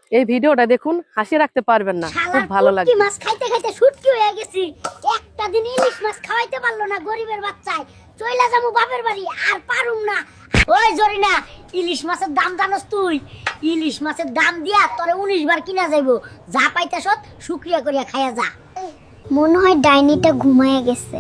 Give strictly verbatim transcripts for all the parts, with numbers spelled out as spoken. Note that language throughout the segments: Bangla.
এই ভিডিওটা দেখুন, হাসি রাখতে পারবেন না, খুব ভালো লাগে। মাছ খাইতে খাইতে শুটকি হয়ে গেছি, একটা দিন ইলিশ মাছ খাওয়াইতে পারলো না গরিবের বাচ্চায়, চইলা যাবো বাপের বাড়ি, আর পারুম না। ওই জরিনা, ইলিশ মাছের দাম জানোস তুই? ইলিশ মাছের দাম দিয়া তোরে উনিশ বার কিনা যাইবো, যা পাইতাস শুকরিয়া করিয়া খাইয়া যা। মনে হয় ডাইনিটা ঘুমায় গেছে,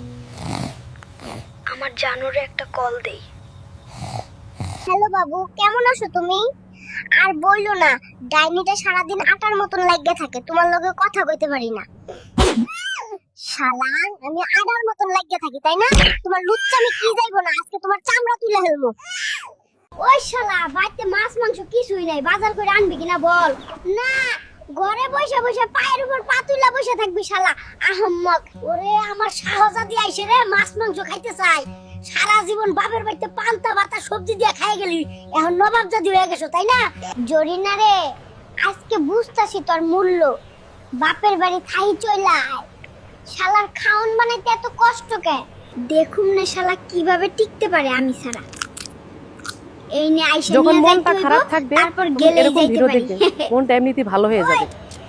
আমার জানুরে একটা কল দেই। হ্যালো বাবু, কেমন আছো তুমি? আর বইলো না, ডাইনিটা সারাদিন আটার মতন লাগিয়ে থাকে, তোমার লগে কথা কইতে পারি না। শালা, আমি আটার মতন লাগিয়ে থাকি তাই না? তোমার লুচ্চামি কি যাইবো না, আজকে তোমার চামড়া তুলে ফেলবো। ওই শালা, বাড়িতে মাছ মাংস কিছুই নাই, বাজার করে আনবি কিনা বল। না, ঘরে বসে বসে পায়ের উপর পা তুলে বসে থাকবি শালা আহম্মক। ওরে আমার শাহজাদি আইছে রে, মাছ মাংস খাইতে চাই। সারা জীবন বাপের বাড়িতে পান্তা ভাতা সবজি দিয়ে খাই গেলি, এখন নবাব জাদি হয়ে গেছো তাই না? জরিনা রে, আজকে বুঝতাছি তোর মূল্য। বাপের বাড়ি খাই চইলা আয়, শালার খাওন বানাইতে এত কষ্ট কে? দেখুম না শালা কিভাবে টিকতে পারে আমি ছাড়া। এই নে আইসা যখন নিয়ে মনটা যাইতে খারাপ হইবো, থাকবে তারপর গেলেই এরকম যাইতে ভিডিও পারি। দেখবেন, মনটা এমনিতেই ভালো হয়ে যাবে।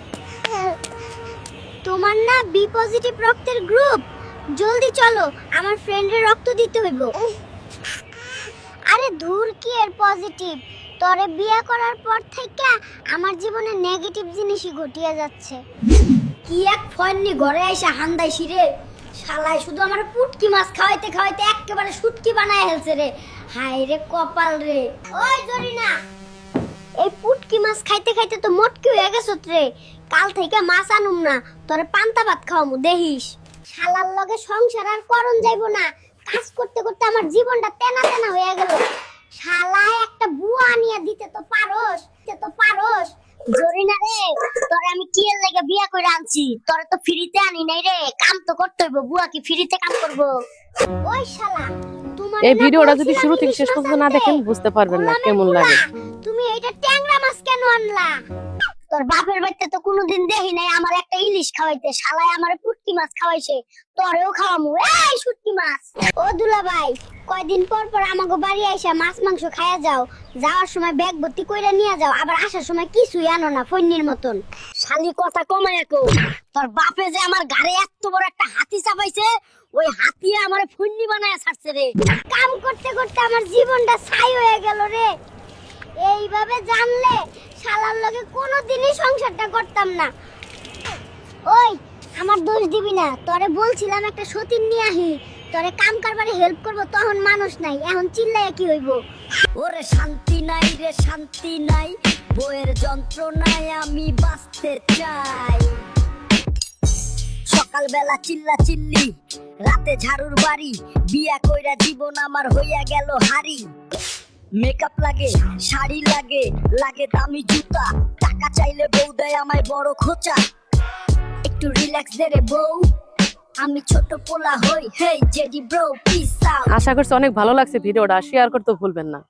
তোমার না বি পজিটিভ রক্তের গ্রুপ, জলদি চলো, আমার ফ্রেন্ডের রক্ত দিতে হইব। আরে ধুর, কি এর পজিটিভ? তোরে বিয়ে করার পর থেকে আমার জীবনে নেগেটিভ জিনিসই ঘটিয়ে যাচ্ছে। কি এক ফয়নি ঘরে আইসা হান্দাই শিরে, শালাই শুধু আমার পুটকি মাছ খাওয়াইতে খাওয়াইতে একেবারে শুটকি বানায় ফেলছে রে। হায় রে কপাল রে। ওই জরিনা, এই পুটকি মাছ খাইতে খাইতে তো মোটকি হয়ে গেছো রে। কাল থেকে মাছ আনুম না, তোরে পান্তা ভাত খাওয়ামু দেখিস। শালার লগে সংসার আর করন যাইবো না, কাজ করতে করতে আমার জীবনটা তেনা তেনা হয়ে গেল। শালা একটা বুয়া আনিয়া দিতে তো পারোস, দিতে তো পারোস। জরিনা রে, তোরে আমি কি এর লাগা বিয়া করে আনছি? তোরে তো ফ্রিতে আনি নাই রে, কাম তো করতে হইব। বুয়া কি ফ্রিতে কাম করব? ওই শালা, তোমার এই ভিডিওটা যদি শুরু থেকে শেষ পর্যন্ত না দেখেন বুঝতে পারবেন না কেমন লাগে। তুমি এইটা ট্যাংরা মাছ কেন আনলা? তোর বাপের বাড়িতে তো কোনোদিন দেখি নাই আমার একটা ইলিশ খাওয়াইতে, শালায় আমারে পুটকি মাছ খাওয়াইছে, তোরেও খাওয়ামু। এই শুটকি মাছ। ও দুলা ভাই, কয়দিন পর পর আমাগো বাড়ি আইসা মাছ মাংস খাইয়া যাও, যাওয়ার সময় ব্যাগ ভর্তি কইরা নিয়ে যাও, আবার আসার সময় কিছুই আনো না ফন্নির মতন। শালি কথা কমায় কো, তোর বাপে যে আমার ঘাড়ে এত বড় একটা হাতি চাপাইছে, ওই হাতি আমারে ফন্নি বানায়া ছাড়ছে রে। কাম করতে করতে আমার জীবনটা ছাই হয়ে গেল রে। এইভাবে জানলে শালার লগে কোনোদিনই সংসারটা করতাম না। ওই, আমার দোষ দিবি না, তোরে বলছিলাম একটা সতীন নিয়ে আহি, তোরে কাম কারবারে হেল্প করব, তখন মানুষ নাই, এখন চিল্লাইয়া কি হইব? ওরে শান্তি নাই রে, শান্তি নাই, বইয়ের যন্ত্রণায় আমি বাঁচতে চাই। সকালবেলা চিল্লা চিল্লি, রাতে ঝাড়ুর বাড়ি, বিয়া কইরা জীবন আমার হইয়া গেল হারি। মেকআপ লাগে, শাড়ি লাগে, লাগে দামি জুতা, টাকা চাইলে বউ দেয় আমায় বড় খোঁচা। একটু রিল্যাক্স দে রে বউ, আমি ছোট পোলা হই। Hey JD bro, peace out. আশা করছি অনেক ভালো লাগছে ভিডিওটা, শেয়ার করতে ভুলবেন না।